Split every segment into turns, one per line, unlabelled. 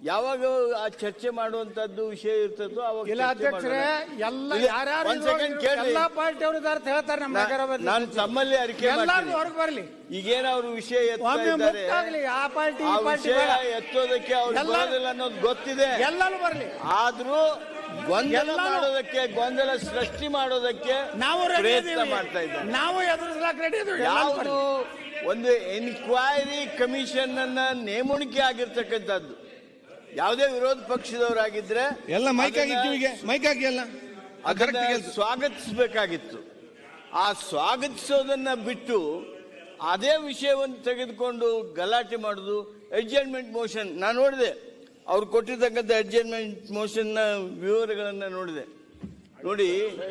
ಯಾವಾಗ ಆ ಚರ್ಚೆ ಮಾಡುವಂತದ್ದು ವಿಷಯ ಇರ್ತದೋ ಅವಾಗ
ಇಲ್ಲ ಅಧ್ಯಕ್ಷರೇ, ಎಲ್ಲ ಯಾರ್ಯಾರು ಎಲ್ಲ ಪಾರ್ಟಿಯವರು ಇದಾರೆ ಹೇಳ್ತಾರೆ. ನಮ್ಮ
ನಾನು ತಮ್ಮಲ್ಲಿ ಅರಿಕೆ
ಹೊರಗೆ ಬರಲಿ.
ಈಗೇನ ಅವ್ರ ವಿಷಯ
ಆ ಪಾರ್ಟಿ
ಎತ್ತೋದಕ್ಕೆ ಅವ್ರು ಬರೋದಿಲ್ಲ ಅನ್ನೋದು ಗೊತ್ತಿದೆ.
ಎಲ್ಲರೂ ಬರಲಿ.
ಆದ್ರೂ ಗೊಂದಲ ಮಾಡೋದಕ್ಕೆ, ಗೊಂದಲ ಸೃಷ್ಟಿ ಮಾಡೋದಕ್ಕೆ
ನಾವು
ಪ್ರಯತ್ನ ಮಾಡ್ತಾ ಇದ್ದಾರೆ.
ನಾವು ಎದುರಿಸಲಿಕ್ಕೆ ರೆಡಿ ಇದ್ದೀವಿ.
ಯಾವುದು ಒಂದು ಎನ್ಕ್ವೈರಿ ಕಮಿಷನ್ ಅನ್ನ ನೇಮಣಿಕೆ ಆಗಿರ್ತಕ್ಕಂಥದ್ದು ಯಾವುದೇ ವಿರೋಧ ಪಕ್ಷದವರಾಗಿದ್ರೆ
ಎಲ್ಲ ಮೈಕ್ ಆಗಿ ಎಲ್ಲ
ಅದನ್ನ ಸ್ವಾಗತಿಸಬೇಕಾಗಿತ್ತು. ಆ ಸ್ವಾಗತಿಸೋದನ್ನ ಬಿಟ್ಟು ಅದೇ ವಿಷಯವನ್ನು ತೆಗೆದುಕೊಂಡು ಗಲಾಟೆ ಮಾಡುದು. ಅಡ್ಜರ್ನ್ಮೆಂಟ್ ಮೋಷನ್ ನಾನು ನೋಡಿದೆ, ಅವ್ರು ಕೊಟ್ಟಿರ್ತಕ್ಕಂಥ ಅಡ್ಜರ್ನ್ಮೆಂಟ್ ಮೋಷನ್ ನ ವಿವರಗಳನ್ನ ನೋಡಿದೆ. ನೋಡಿ,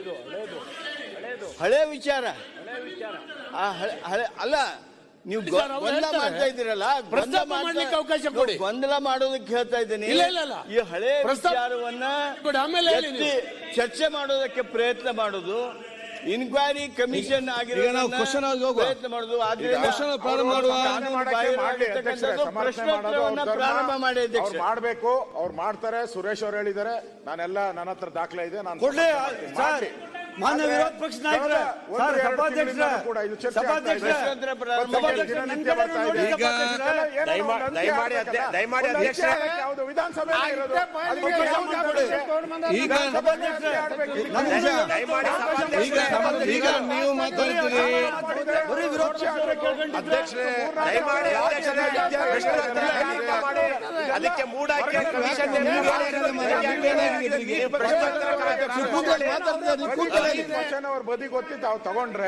ಹಳೆ ವಿಚಾರ ಅಲ್ಲ, ನೀವು ಗೊಂದಲ ಮಾಡ್ತಾ ಇದ್ದೀರಲ್ಲ, ಗೊಂದಲ ಮಾಡೋದಕ್ಕೆ ಹೇಳ್ತಾ ಇದ್ದೀನಿ. ಈ ಹಳೆ ವಿಚಾರವನ್ನ ಚರ್ಚೆ ಮಾಡೋದಕ್ಕೆ ಪ್ರಯತ್ನ ಮಾಡೋದು, ಇನ್ಕ್ವೈರಿ ಕಮಿಷನ್ ಪ್ರಯತ್ನ ಮಾಡೋದು. ಪ್ರಶ್ನೋತ್ತರವನ್ನ ಪ್ರಾರಂಭ ಮಾಡಿ
ಮಾಡಬೇಕು. ಅವ್ರು ಮಾಡ್ತಾರೆ. ಸುರೇಶ್ ಅವರು ಹೇಳಿದ್ದಾರೆ, ನಾನೆಲ್ಲ ನನ್ನ ಹತ್ರ ದಾಖಲೆ ಇದೆ. ನಾನು
ಮಾನ್ಯ ವಿರೋಧ ಪಕ್ಷ ನಾಯಕರ
ವಿಧಾನಸಭೆ
ಈಗ ನೀವು ಮಾತಾಡ್ತೀರಿ.
ಅದಕ್ಕೆ ಮೂಡಾಕಿ
ಅವ್ರ ಬದಿ ಗೊತ್ತಿ ತಾವು ತಗೊಂಡ್ರೆ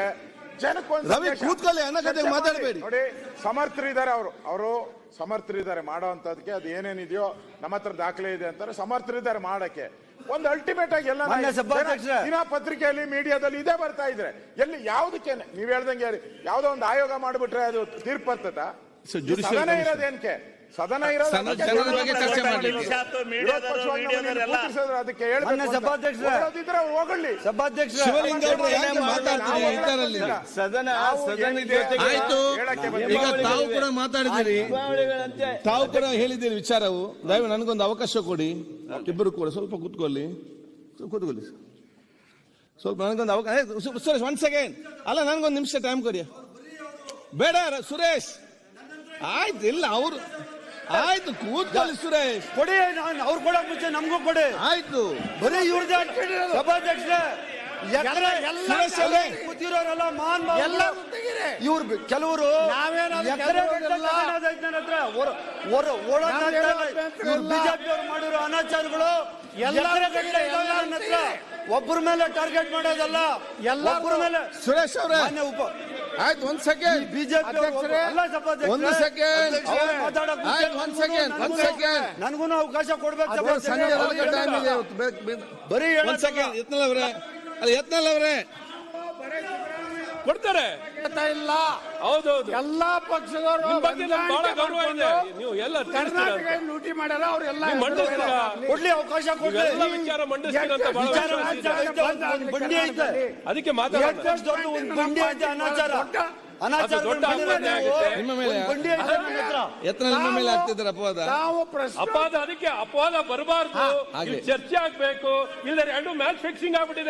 ಮಾತಾಡಬೇಡಿ.
ನೋಡಿ, ಸಮರ್ಥರಿದ್ದಾರೆ. ಅವರು ಸಮರ್ಥರಿದ್ದಾರೆ ಮಾಡೋಂಥದಕ್ಕೆ. ಅದು ಏನೇನಿದೆಯೋ ನಮ್ಮ ಹತ್ರ ದಾಖಲೆ ಇದೆ ಅಂತಾರೆ. ಸಮರ್ಥರಿದ್ದಾರೆ ಮಾಡಕ್ಕೆ. ಒಂದು ಅಲ್ಟಿಮೇಟ್ ಆಗಿ ಎಲ್ಲ ದಿನ ಪತ್ರಿಕೆಯಲ್ಲಿ, ಮೀಡಿಯಾದಲ್ಲಿ ಇದೇ ಬರ್ತಾ ಇದ್ರೆ ಎಲ್ಲಿ ಯಾವುದಕ್ಕೆ ನೀವ್ ಹೇಳ್ದಂಗೆ ಯಾವ್ದೋ ಒಂದು ಆಯೋಗ ಮಾಡ್ಬಿಟ್ರೆ ಅದು ತೀರ್ಪು ಬರ್ತದ? ಸದನ ಇರೋದೇನ್ಕೆ? ಸದನ ಇರೋದು ಅದಕ್ಕೆ ಹೋಗಲಿ.
ಸದನ
ಈಗ ತಾವು ಕೂಡ ಮಾತಾಡಿದ್ದೀರಿ, ತಾವು ಕೂಡ ಹೇಳಿದ್ದೀರಿ ವಿಚಾರವು. ದಯವಿಟ್ಟು ನನಗೊಂದು ಅವಕಾಶ ಕೊಡಿ. ಇಬ್ಬರು ಕೂಡ ಸ್ವಲ್ಪ ಕೂತ್ಕೊಳ್ಳಿ. ಸ್ವಲ್ಪ ನನಗೊಂದು ಅವಕಾಶ. ಸುರೇಶ್, 1 ಸೆಕೆಂಡ್. ಅಲ್ಲ, ನನಗೊಂದು ನಿಮಿಷ ಟೈಮ್ ಕೊಡಿ. ಬೇಡ ಸುರೇಶ್, ಆಯ್ತು. ಇಲ್ಲ ಅವರು ಆಯ್ತು, ಕೂತ್ಕೊಳ್ಳಿ ಸುರೇಶ್.
ಕೊಡಿ, ಅವ್ರು ಕೊಡಕ್ ಮುಂಚೆ ನಮಗೂ ಕೊಡಿ.
ಆಯ್ತು,
ಬರೀ ಇವ್ರದೇ ಸಭಾಧ್ಯಕ್ಷ ಕೂತಿರೋರೆಲ್ಲ ಇವ್ರು ಕೆಲವರು ಬಿಜೆಪಿ ಅವರು ಮಾಡಿರೋ ಅನಾಚಾರಗಳು ಒಬ್ಬರ ಮೇಲೆ ಟಾರ್ಗೆಟ್ ಮಾಡೋದಲ್ಲ, ಎಲ್ಲರ ಮೇಲೆ.
ಸುರೇಶ್ ಅವರೇ ಆಯ್ತು, 1 ಸೆಕೆಂಡ್.
BJP
1 second.
ನನ್ಗೂ ಅವಕಾಶ ಕೊಡ್ಬೇಕು.
ಬರೀ 1 ಸೆಕೆಂಡ್. ಯತ್ನಾಳ್ ಅವರೇ
ಕೊಡ್ತಾರೆ
ಇಲ್ಲ.
ಹೌದೌದು,
ಎಲ್ಲಾ ಪಕ್ಷದವರು
ನೀವು ಎಲ್ಲ
ಕರ್ನಾಟಕ ಲೂಟಿ ಮಾಡ್ಯಾರ. ಅವ್ರೆಲ್ಲ
ಕೊಡ್ಲಿ, ಅವಕಾಶ ಕೊಡ್ಲಿ, ವಿಚಾರ ಮಂಡಿಸ್ತೀರಂತ
ಬಂಡಿ ಐತೆ.
ಅದಕ್ಕೆ ಮಾತಾಡೋದು.
ಬಂಡಿ ಐತೆ ಅನಾಚಾರ.
ನಿಮ್ಮ ಮೇಲೆ ಆಗ್ತಿದ್ದಾರೆ ಅಪವಾದ.
ಅಪವಾದ, ಅದಕ್ಕೆ ಅಪವಾದ ಬರಬಾರ್ದು. ಚರ್ಚೆ ಆಗ್ಬೇಕು. ಇಲ್ಲ ಎರಡು ಮ್ಯಾಚ್ ಫಿಕ್ಸಿಂಗ್ ಆಗ್ಬಿಟ್ಟಿದೆ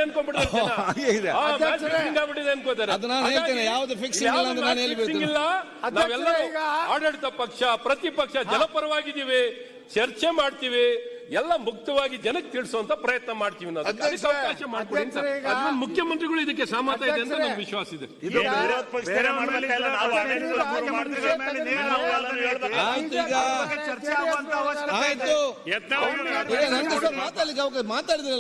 ಅನ್ಕೋತಾರೆ.
ಅದು ನಾನು ಹೇಳ್ತೇನೆ, ಯಾವ್ದು ಫಿಕ್ಸಿಂಗ್
ಇಲ್ಲ. ನಾವೆಲ್ಲರೂ ಆಡಳಿತ ಪಕ್ಷ, ಪ್ರತಿಪಕ್ಷ ಜನಪರವಾಗಿದ್ದೀವಿ. ಚರ್ಚೆ ಮಾಡ್ತೀವಿ, ಎಲ್ಲ ಮುಕ್ತವಾಗಿ ಜನಕ್ಕೆ ತಿಳಿಸುವಂತ ಪ್ರಯತ್ನ ಮಾಡ್ತೀವಿ. ಅವಕಾಶ ಮಾಡ್ತೀವಿ. ಮುಖ್ಯಮಂತ್ರಿಗಳು ಇದಕ್ಕೆ ಸಹಮತ ಇದೆ ಅಂತ ನಮ್ಗೆ ವಿಶ್ವಾಸ ಇದೆ.
ಆಯ್ತು, ಮಾತಾಡಿದ್ರೆ